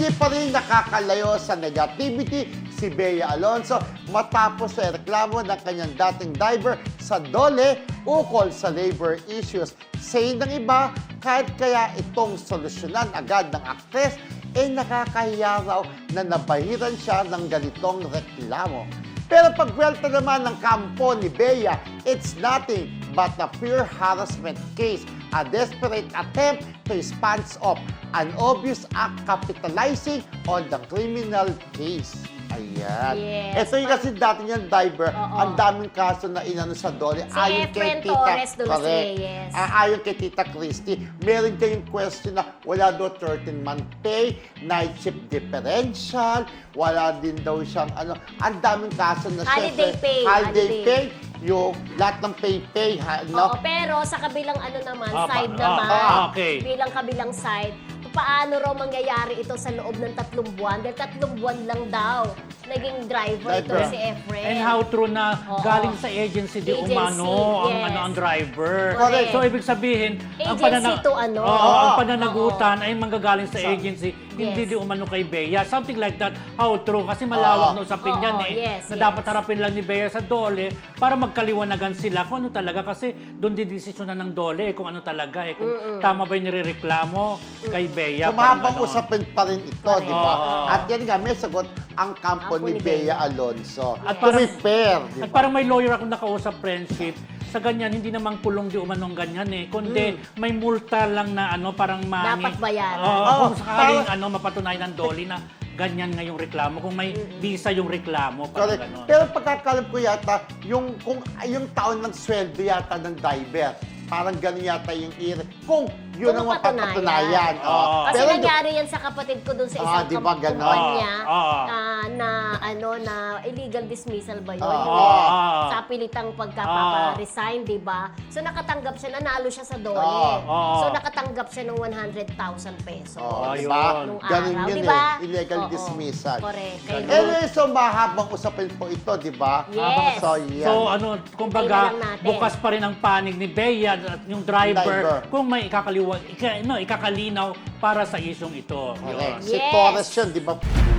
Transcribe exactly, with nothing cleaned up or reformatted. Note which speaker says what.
Speaker 1: Hindi pa rin nakakalayo sa negativity si Bea Alonzo matapos sa reklamo ng kanyang dating diver sa Dole ukol sa labor issues. Say ng iba, kahit kaya itong solusyonan agad ng aktres, eh nakakahiya raw na nabahiran siya ng ganitong reklamo. Pero pagwelta naman ng kampo ni Bea, it's nothing but a pure harassment case, a desperate attempt to sponge off an obvious act capitalizing on the criminal case. Ayan.
Speaker 2: Yes.
Speaker 1: Ito yung kasi dati niyang diver,
Speaker 2: Oo.
Speaker 1: ang daming kaso na inano sa Dole.
Speaker 2: Si Efren Torres Dulce,
Speaker 1: correct.
Speaker 2: yes.
Speaker 1: Ah, ayon kay Tita Christy, meron kayong question na wala daw thirteen month pay, night shift differential, wala din daw siyang ano, ang daming kaso na
Speaker 2: Holiday
Speaker 1: syempre,
Speaker 2: pay,
Speaker 1: holiday
Speaker 2: holiday.
Speaker 1: pay, yung lahat ng pay-pay, ha, no?
Speaker 2: Oo, pero sa kabilang ano naman,
Speaker 3: Ah,
Speaker 2: side
Speaker 3: pa-
Speaker 2: naman,
Speaker 3: ah, ah, okay.
Speaker 2: bilang kabilang side, paano raw mangyayari ito sa loob ng tatlong buwan? Dahil tatlong buwan lang daw naging driver,
Speaker 1: Driver.
Speaker 2: ito si Efren.
Speaker 3: And how true na
Speaker 2: Oo.
Speaker 3: galing sa agency di
Speaker 2: Agency,
Speaker 3: umano ang
Speaker 2: yes.
Speaker 3: ano ang driver.
Speaker 2: Correct.
Speaker 3: So ibig sabihin, ang
Speaker 2: Agency to ano.
Speaker 3: Oo,
Speaker 1: Oo.
Speaker 3: ang pananagutan ay manggagaling sa
Speaker 1: Sa-
Speaker 3: agency, hindi
Speaker 2: Yes.
Speaker 3: di umano kay Bea. Something like that. How true kasi malawak
Speaker 1: Oo.
Speaker 3: na usapin
Speaker 2: Oo,
Speaker 3: yan eh.
Speaker 2: yes,
Speaker 3: na
Speaker 2: yes.
Speaker 3: dapat harapin lang ni Bea sa Dole para magkaliwanagan sila kung ano talaga kasi doon didesisyonan ng Dole eh, kung ano talaga eh. Kung tama ba yung nirereklamo kay Bea.
Speaker 1: So,
Speaker 3: parang
Speaker 1: mahabang
Speaker 3: ganon.
Speaker 1: usapin pa rin ito,
Speaker 2: Correct.
Speaker 1: di ba?
Speaker 3: Oo.
Speaker 1: At yan nga, may sagot ang kampo
Speaker 2: Kampo
Speaker 1: ni
Speaker 2: ni
Speaker 1: Bea
Speaker 2: Bea.
Speaker 1: Alonzo.
Speaker 3: At
Speaker 1: To
Speaker 3: parang-
Speaker 1: be fair, di
Speaker 3: At
Speaker 1: ba?
Speaker 3: parang may lawyer akong nakausap, friendship, sa ganyan, hindi namang kulong di umanong ganyan eh. Kundi may multa lang na ano, parang mani.
Speaker 2: Dapat bayaran.
Speaker 3: Oo,
Speaker 1: Oo,
Speaker 3: kung sakaling
Speaker 1: parang-
Speaker 3: ano, mapatunayan ng Dolly na ganyan nga yung reklamo. Kung may visa yung reklamo, parang
Speaker 1: Correct.
Speaker 3: gano'n.
Speaker 1: Pero pagkakalam ko yata, yung, kung, yung taon ng sweldo yata ng diver, parang gano'n yata yung ir kung yun
Speaker 2: Kung
Speaker 1: ang mapapatunayan.
Speaker 2: mapatunayan.
Speaker 1: Oo.
Speaker 2: Kasi
Speaker 1: Pero
Speaker 2: nangyari yan sa kapatid ko dun sa
Speaker 1: Ah,
Speaker 2: isang
Speaker 1: di ba
Speaker 2: kam-
Speaker 1: ganon?
Speaker 2: kumpanya
Speaker 3: Oo.
Speaker 2: ah, na ano na illegal dismissal ba yun?
Speaker 1: Oo.
Speaker 2: Yung
Speaker 3: Oo.
Speaker 2: sa pilitang pagkapapa-resign, di ba? So nakatanggap siya, nanalo siya sa Dole.
Speaker 1: Oo.
Speaker 2: So nakatanggap siya ng one hundred thousand pesos.
Speaker 1: Oo, di
Speaker 3: Ayun.
Speaker 1: ba?
Speaker 2: Nung
Speaker 1: Ganun
Speaker 2: araw,
Speaker 1: yun
Speaker 2: di ba?
Speaker 1: eh. Illegal
Speaker 2: Oo.
Speaker 1: dismissal.
Speaker 2: Correct. Kaya
Speaker 3: Ganun.
Speaker 1: Anyway, so mahabang usapin po ito, di ba?
Speaker 2: Yes.
Speaker 1: So, yan.
Speaker 3: So ano, kumbaga,
Speaker 2: Hintayin na lang natin.
Speaker 3: bukas pa rin ang panig ni Bea at yung driver,
Speaker 1: Driver.
Speaker 3: kung may ikakaliwa, ika, no, ikakalinaw para sa isyong ito.
Speaker 1: Correct.
Speaker 3: Yun.
Speaker 1: Si
Speaker 2: Yes.
Speaker 1: Torres yun, di ba?